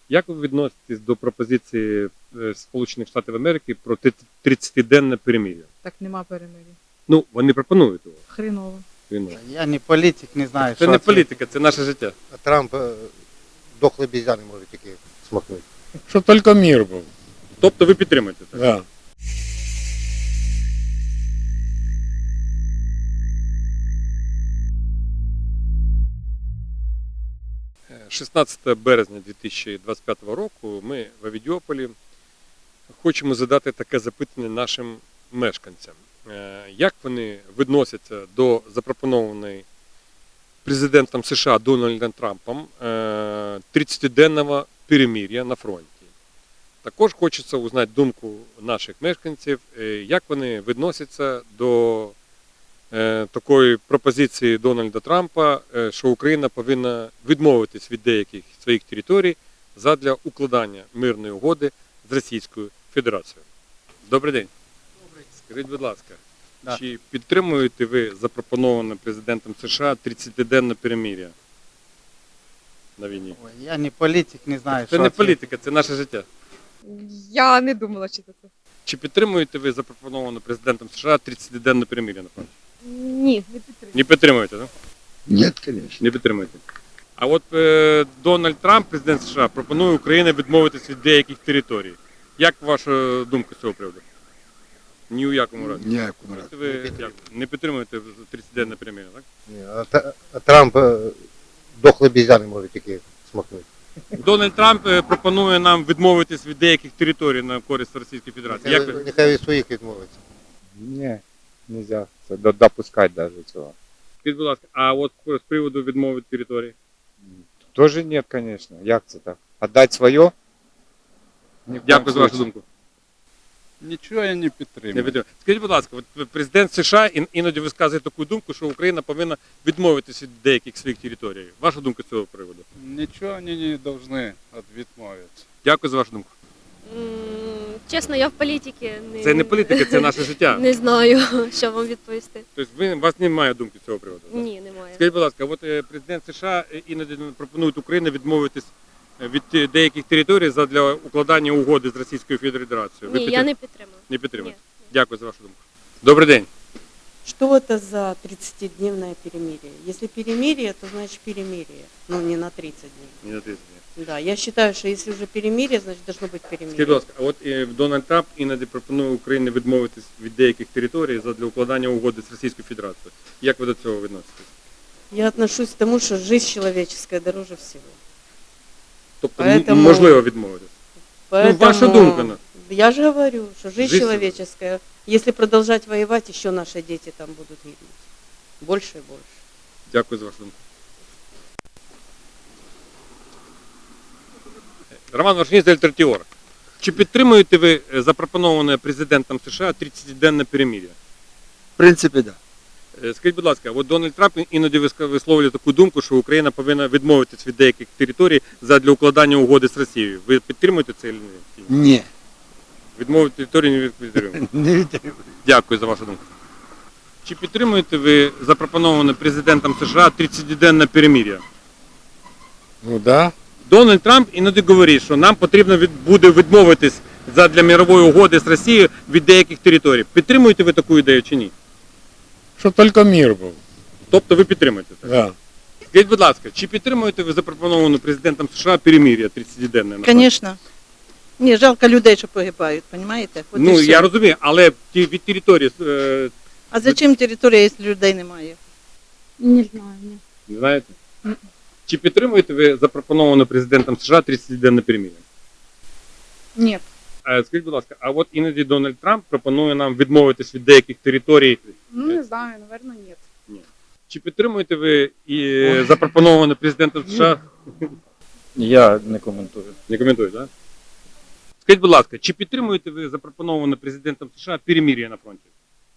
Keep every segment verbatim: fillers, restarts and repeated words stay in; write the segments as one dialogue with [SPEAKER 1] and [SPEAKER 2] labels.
[SPEAKER 1] Як ви відноситесь до пропозиції е, Сполучених Штатів Америки про тридцятиденне перемир'я?
[SPEAKER 2] Так нема перемир'я.
[SPEAKER 1] Ну, вони пропонують його.
[SPEAKER 2] Хреново.
[SPEAKER 1] Він-
[SPEAKER 3] Я не політик, не знаю,
[SPEAKER 1] Це
[SPEAKER 3] що
[SPEAKER 1] не політика, це наше життя.
[SPEAKER 3] А Трамп е, дохлий бізяни може тільки смакнути.
[SPEAKER 4] Щоб тільки мир був.
[SPEAKER 1] Тобто ви підтримуєте це?
[SPEAKER 4] Да.
[SPEAKER 1] шістнадцятого березня дві тисячі двадцять п'ятого року ми в Авідіополі хочемо задати таке запитання нашим мешканцям. Е, Як вони відносяться до запропонованої президентом США Дональдом Трампом е, тридцятиденного перемир'я на фронті? Також хочеться узнати думку наших мешканців, е, як вони відносяться до е, такої пропозиції Дональда Трампа, е, що Україна повинна відмовитись від деяких своїх територій задля укладання мирної угоди з Російською Федерацією. Добрий день.
[SPEAKER 3] Добрий.
[SPEAKER 1] Скажіть, будь ласка,
[SPEAKER 3] Да.
[SPEAKER 1] чи підтримуєте ви запропоноване президентом США тридцятиденне перемир'я на війні?
[SPEAKER 3] Ой, я не політик, не знаю,
[SPEAKER 1] Це
[SPEAKER 3] що
[SPEAKER 1] не політика, це наше життя.
[SPEAKER 2] Я не думала читати.
[SPEAKER 1] Чи підтримуєте ви запропоноване президентом США тридцятиденне перемир'я на фронті?
[SPEAKER 2] Ні, не підтримую.
[SPEAKER 1] Не підтримуєте, так?
[SPEAKER 5] Нет, конечно.
[SPEAKER 1] Не підтримуєте. А от е, Дональд Трамп, президент США, пропонує Україні відмовитись від деяких територій. Як ваша думка з цього приводу? Ні у якому разі.
[SPEAKER 5] Ніякому разі.
[SPEAKER 1] Ви як, не підтримуєте тридцятиденне перемир'я, так?
[SPEAKER 3] Ні, а, Та- а Трамп е, дохлий бізяни може тільки смакнути.
[SPEAKER 1] Дональд Трамп е, пропонує нам відмовитись від деяких територій на користь Російської Федерації. Як
[SPEAKER 3] Нехай,
[SPEAKER 1] ви?
[SPEAKER 3] нехай від своїх відмовиться.
[SPEAKER 4] Ні, нельзя це до- допускати навіть цього.
[SPEAKER 1] Скажіть, будь ласка, а от з приводу відмови від території?
[SPEAKER 4] Тоже нет, конечно. Як це так? Отдать своє? Ні в коем
[SPEAKER 1] Дякую за вашу
[SPEAKER 4] случае.
[SPEAKER 1] думку.
[SPEAKER 6] Нічого я не
[SPEAKER 1] Не
[SPEAKER 6] підтримую.
[SPEAKER 1] підтримую. Скажіть, будь ласка, от президент США ін- іноді висказує таку думку, що Україна повинна відмовитись від деяких своїх територій. Ваша думка з цього приводу?
[SPEAKER 6] Нічого вони не повинні відмовитися.
[SPEAKER 1] Дякую за вашу думку.
[SPEAKER 7] М, Чесно, я в політиці не,
[SPEAKER 1] Це не політика, це наше життя.
[SPEAKER 7] не знаю, що вам відповісти.
[SPEAKER 1] Тобто ви, у вас немає думки з цього приводу? так?
[SPEAKER 7] Ні, немає.
[SPEAKER 1] Скажіть, будь ласка, от е, президент США іноді пропонує Україні відмовитись від е, деяких територій задля укладання угоди з Російською Федерацією. Ви
[SPEAKER 7] Ні, я
[SPEAKER 1] підтримуєте?
[SPEAKER 7] не підтримую.
[SPEAKER 1] Не підтримуєте?
[SPEAKER 7] Ні.
[SPEAKER 1] Дякую за вашу думку. Добрий день.
[SPEAKER 8] Что это за тридцатидневное перемирие? Если перемирие, то значит перемирие. Ну, не на тридцать дней.
[SPEAKER 1] Не на тридцять днів.
[SPEAKER 8] Да, я считаю, что если уже перемирие, значит должно быть
[SPEAKER 1] Скажіть, будь
[SPEAKER 8] перемирие.
[SPEAKER 1] ласка, а от е, Дональд Трамп іноді пропонує Україні відмовитись від деяких територій задля укладання угоди з Російською Федерацією. Як ви до цього відноситесь?
[SPEAKER 8] Я отношусь к тому, что жизнь человеческая дороже всего.
[SPEAKER 1] Тобто м-
[SPEAKER 8] Поэтому-
[SPEAKER 1] можливо відмовитись? Ну, ваша думка. ну.
[SPEAKER 8] Я же говорю, что жизнь,
[SPEAKER 1] Жизнь
[SPEAKER 8] человеческая, если продолжать воевать, еще наши дети там будут гибнуть. Больше и больше.
[SPEAKER 1] Дякую за вашу думку. Роман Варшинець, Альтернатива. Чи підтримуєте ви е, запропоноване президентом США тридцятиденне перемир'я?
[SPEAKER 5] В принципе, да.
[SPEAKER 1] Е, Скажіть, будь ласка, от Дональд Трамп іноді виска- висловлює таку думку, що Україна повинна відмовитись від деяких територій задля укладання угоди з Росією. Ви підтримуєте це чи ні?
[SPEAKER 5] Ні.
[SPEAKER 1] Відмовити території не підтримуєте.
[SPEAKER 5] Не відтримую.
[SPEAKER 1] Дякую за вашу думку. Чи підтримуєте ви запропоноване президентом США тридцятиденне перемир'я?
[SPEAKER 4] Ну да.
[SPEAKER 1] Дональд Трамп іноді говорить, що нам потрібно від, буде відмовитись задля мирової угоди з Росією від деяких територій. Підтримуєте ви таку ідею чи ні?
[SPEAKER 4] Щоб тільки мир був.
[SPEAKER 1] Тобто ви підтримуєте це?
[SPEAKER 4] Да.
[SPEAKER 1] Скажіть, будь ласка, чи підтримуєте ви запропоновану президентом США перемир'я тридцятиденне?
[SPEAKER 9] Конечно. Ні, жалко людей, що погибають, розумієте?
[SPEAKER 1] Ну, я розумію, але ті- від території, е,
[SPEAKER 9] А зачем територія, якщо людей немає?
[SPEAKER 2] Не знаю, ні.
[SPEAKER 1] не знаєте? Чи підтримуєте ви запропоновану президентом США тридцятиденне перемир'я?
[SPEAKER 2] Ні.
[SPEAKER 1] Е, Скажіть, будь ласка, а от іноді Дональд Трамп пропонує нам відмовитись від деяких територій.
[SPEAKER 2] Ну, не знаю, наверное, ні.
[SPEAKER 1] Чи підтримуєте ви і запропоноване президентом США?
[SPEAKER 10] Я не коментую.
[SPEAKER 1] Не коментую, так? Скажіть, будь ласка, чи підтримуєте ви запропоноване президентом США перемир'я на фронті?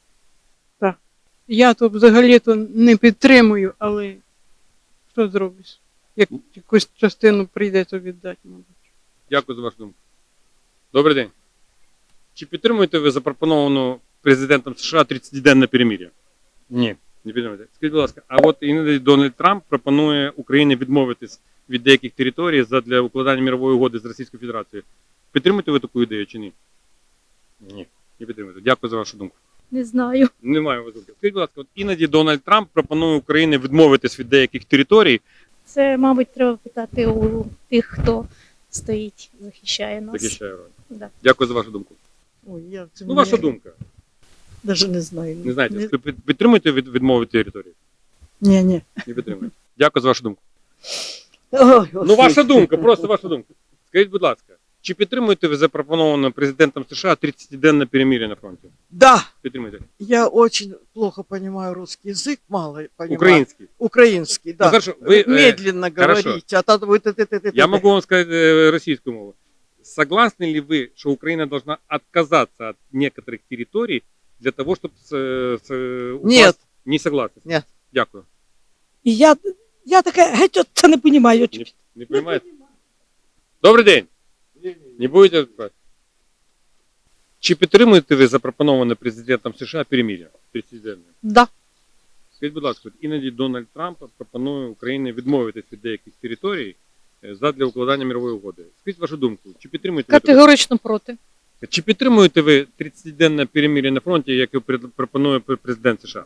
[SPEAKER 9] Я то взагалі-то не підтримую, але що зробиш? Як якусь частину прийдеться віддати, мабуть.
[SPEAKER 1] Дякую за вашу думку. Добрий день. Чи підтримуєте ви запропоновану президентом США тридцятиденне перемир'я?
[SPEAKER 4] Ні.
[SPEAKER 1] Не підтримуєте. Скажіть, будь ласка, а от іноді Дональд Трамп пропонує Україні відмовитись від деяких територій задля укладання мирової угоди з Російською Федерацією. Підтримуєте ви таку ідею чи ні? Ні. Не підтримуєте. Дякую за вашу думку.
[SPEAKER 7] Не знаю.
[SPEAKER 1] Немає у вас думки. Скажіть, будь ласка, от іноді Дональд Трамп пропонує Україні відмовитись від деяких територій.
[SPEAKER 7] Це, мабуть, треба питати у тих, хто стоїть, захищає нас.
[SPEAKER 1] Захищає роль.
[SPEAKER 7] Да.
[SPEAKER 1] Дякую за вашу думку.
[SPEAKER 9] Ой, я це
[SPEAKER 1] Ну, ваша думка.
[SPEAKER 9] Навіть не знаю.
[SPEAKER 1] Не знаєте, ви під- підтримуєте від, відмови території?
[SPEAKER 9] Ні, ні.
[SPEAKER 1] Не підтримуєте. Дякую за вашу думку.
[SPEAKER 9] Ой,
[SPEAKER 1] Ну, ваша думка, просто ваша думка. Скажіть, будь ласка, чи підтримуєте ви запропоноване президентом США тридцятиденне перемир'я на фронті?
[SPEAKER 11] Да,
[SPEAKER 1] Підтримуєте?
[SPEAKER 11] я очень плохо понимаю русский язык, мало понимаю.
[SPEAKER 1] Український.
[SPEAKER 11] Украинский, да.
[SPEAKER 1] Ну, хорошо, вы, э,
[SPEAKER 11] Медленно
[SPEAKER 1] хорошо.
[SPEAKER 11] говорите, а то вы ты, ты, ты, ты,
[SPEAKER 1] Я
[SPEAKER 11] ты.
[SPEAKER 1] могу вам сказать э, российскую мову. Согласны ли вы, что Украина должна отказаться от некоторых территорий для того, чтобы... С, с,
[SPEAKER 11] Нет.
[SPEAKER 1] Не согласны?
[SPEAKER 11] Нет.
[SPEAKER 1] Дякую.
[SPEAKER 11] І я, я така, геть от це не розумію.
[SPEAKER 1] Не, не понимаете? Добрий день. Не будете відповідати? Чи підтримуєте ви запропоноване президентом США перемир'я тридцятиденне?
[SPEAKER 9] Да.
[SPEAKER 1] Скажіть, будь ласка, от іноді Дональд Трамп пропонує Україні відмовитись від деяких територій е, задля укладання мирової угоди. Скажіть вашу думку, чи підтримуєте ви таке?
[SPEAKER 9] Категорично проти.
[SPEAKER 1] Чи підтримуєте ви тридцятиденне перемир'я на фронті, яке пред- пропонує пр- президент США?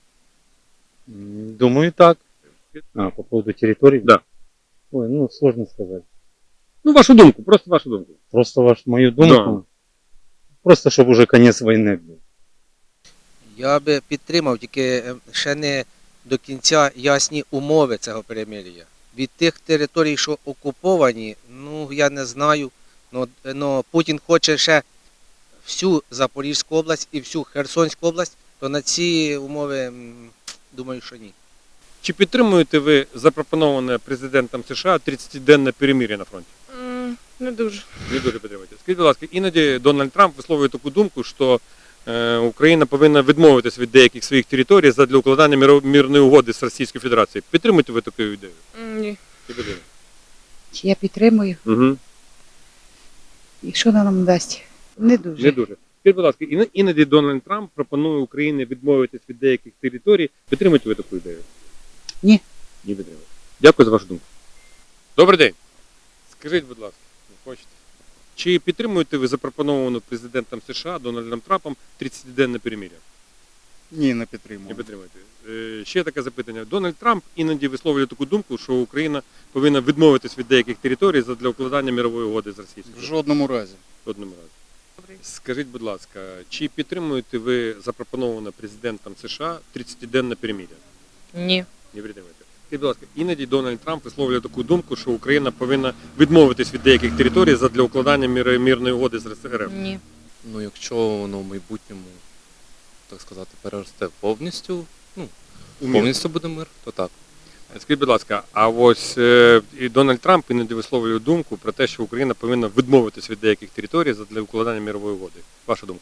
[SPEAKER 10] М, Думаю, так. А, по поводу территорий?
[SPEAKER 1] Да.
[SPEAKER 10] Ой, ну, сложно сказать.
[SPEAKER 1] Ну, вашу думку, просто вашу думку.
[SPEAKER 10] Просто ваш, мою думку. Просто, чтобы уже конец войны был.
[SPEAKER 12] Я би підтримав, тільки е, ще не до кінця ясні умови цього перемир'я. Від тих територій, що окуповані, ну я не знаю. Но, но Путін хоче ще всю Запорізьку область і всю Херсонську область, то на ці умови, м, думаю, що ні.
[SPEAKER 1] Чи підтримуєте ви запропоноване президентом США тридцятиденне перемир'я на фронті?
[SPEAKER 2] М, Не дуже.
[SPEAKER 1] Не дуже підтримуєте. Скажіть, будь ласка, іноді Дональд Трамп висловлює таку думку, що е, Україна повинна відмовитись від деяких своїх територій задля укладання міро- мирної угоди з Російською Федерацією. Підтримуєте ви таку ідею?
[SPEAKER 2] М, Ні.
[SPEAKER 1] Не підтримуєте.
[SPEAKER 13] Чи я підтримую,
[SPEAKER 1] Угу.
[SPEAKER 13] і що вона нам дасть? Не дуже.
[SPEAKER 1] Не дуже. Скажіть, будь ласка, іно- іноді Дональд Трамп пропонує Україні відмовитись від деяких територій. Підтримуєте ви таку ідею?
[SPEAKER 13] Ні.
[SPEAKER 1] Не підтримуєте. Дякую за вашу думку. Добрий день. Скажіть, будь ласка, ви хочете? Чи підтримуєте ви запропоновану президентом США Дональдом Трампом тридцятиденне перемир'я?
[SPEAKER 6] Ні, не
[SPEAKER 1] Не
[SPEAKER 6] підтримую.
[SPEAKER 1] підтримуєте. Е, Ще таке запитання. Дональд Трамп іноді висловлює таку думку, що Україна повинна відмовитись від деяких територій для укладання мирової угоди з
[SPEAKER 6] В
[SPEAKER 1] Російською.
[SPEAKER 6] жодному разі.
[SPEAKER 1] В одному разі. Скажіть, будь ласка, чи підтримуєте ви запропоноване президентом США тридцятиденне перемир'я?
[SPEAKER 2] Ні.
[SPEAKER 1] Не підтримуєте. Скажіть, будь ласка, іноді Дональд Трамп висловлює таку думку, що Україна повинна відмовитись від деяких територій для укладання мир- мирної угоди з РФ.
[SPEAKER 2] Ні.
[SPEAKER 14] Ну, якщо воно в майбутньому, так сказати, переросте повністю, ну,
[SPEAKER 1] У мир.
[SPEAKER 14] повністю буде мир, то так.
[SPEAKER 1] Скажіть, будь ласка, а ось е, і Дональд Трамп іноді висловлює думку про те, що Україна повинна відмовитись від деяких територій для укладання мирової угоди. Ваша думка?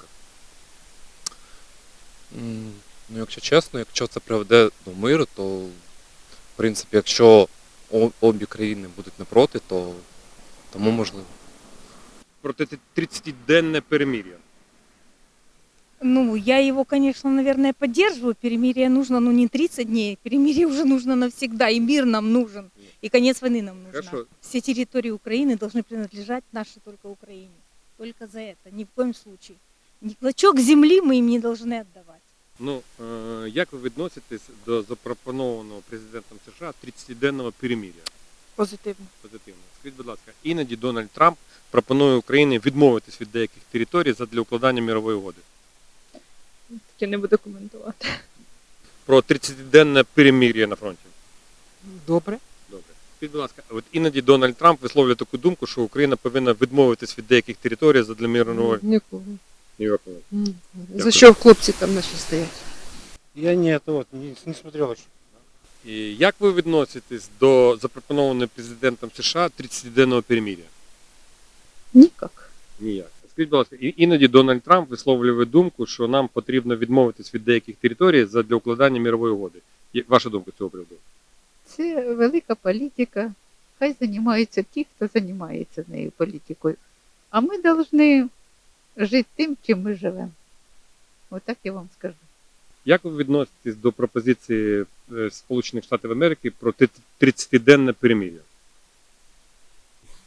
[SPEAKER 14] М, Ну, якщо чесно, якщо це приведе до миру, то, в принципі, якщо о- обі країни будуть не проти, то тому можливо.
[SPEAKER 1] Про те тридцятиденне перемир'я.
[SPEAKER 8] Ну, я его, конечно, наверное, поддерживаю. Перемирие нужно, ну, не тридцать дней. Перемирие уже нужно навсегда. И мир нам нужен. И конец войны нам нужен.
[SPEAKER 1] Хорошо.
[SPEAKER 8] Все территории Украины должны принадлежать нашей только Украине. Только за это. Ни в коем случае. Ни клочок земли мы им не должны отдавать.
[SPEAKER 1] Ну, е, як ви відноситесь до запропонованого президентом США тридцятиденного перемир'я?
[SPEAKER 2] Позитивно.
[SPEAKER 1] Позитивно. Скажіть, будь ласка, іноді Дональд Трамп пропонує Україні відмовитись від деяких територій для укладання мирової угоди.
[SPEAKER 2] Таке не буду коментувати.
[SPEAKER 1] Про тридцятиденне перемир'я на фронті.
[SPEAKER 2] Добре.
[SPEAKER 1] Добре. Скажіть, будь ласка, от іноді Дональд Трамп висловлює таку думку, що Україна повинна відмовитись від деяких територій для мирної
[SPEAKER 9] Нікого.
[SPEAKER 1] угоди.
[SPEAKER 9] За що хлопці там наші стоять?
[SPEAKER 3] Я нет, вот, не, не смотрел еще.
[SPEAKER 1] І як ви відноситесь до запропонованого президентом США тридцятиденного перемир'я?
[SPEAKER 9] Ніяк.
[SPEAKER 1] Ніяк. Скажіть, будь ласка, і- іноді Дональд Трамп висловлює думку, що нам потрібно відмовитись від деяких територій для укладання мирової угоди. Є- Ваша думка з цього приводу?
[SPEAKER 13] Це велика політика. Хай займаються ті, хто займається нею політикою. А ми повинні жити тим, чим ми живемо. Отак я вам скажу.
[SPEAKER 1] Як ви відноситесь до пропозиції е, Сполучених Штатів Америки про ти- тридцятиденне перемир'я?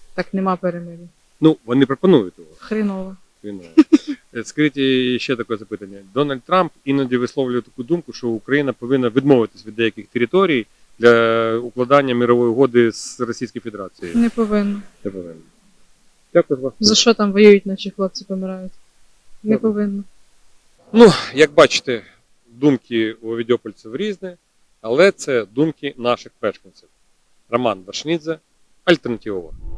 [SPEAKER 2] Так нема перемир'я.
[SPEAKER 1] Ну, вони пропонують його.
[SPEAKER 2] Хріново.
[SPEAKER 1] Він, е, Скажіть і ще таке запитання. Дональд Трамп іноді висловлює таку думку, що Україна повинна відмовитись від деяких територій для укладання мирової угоди з Російською Федерацією.
[SPEAKER 2] Не повинно.
[SPEAKER 1] Не повинна. Дякую вас.
[SPEAKER 2] За що там воюють, наші хлопці помирають? Не
[SPEAKER 1] Добре.
[SPEAKER 2] повинно.
[SPEAKER 1] Ну, як бачите, думки у відьопольців різні, але це думки наших мешканців. Роман Башнідзе, Альтернатива.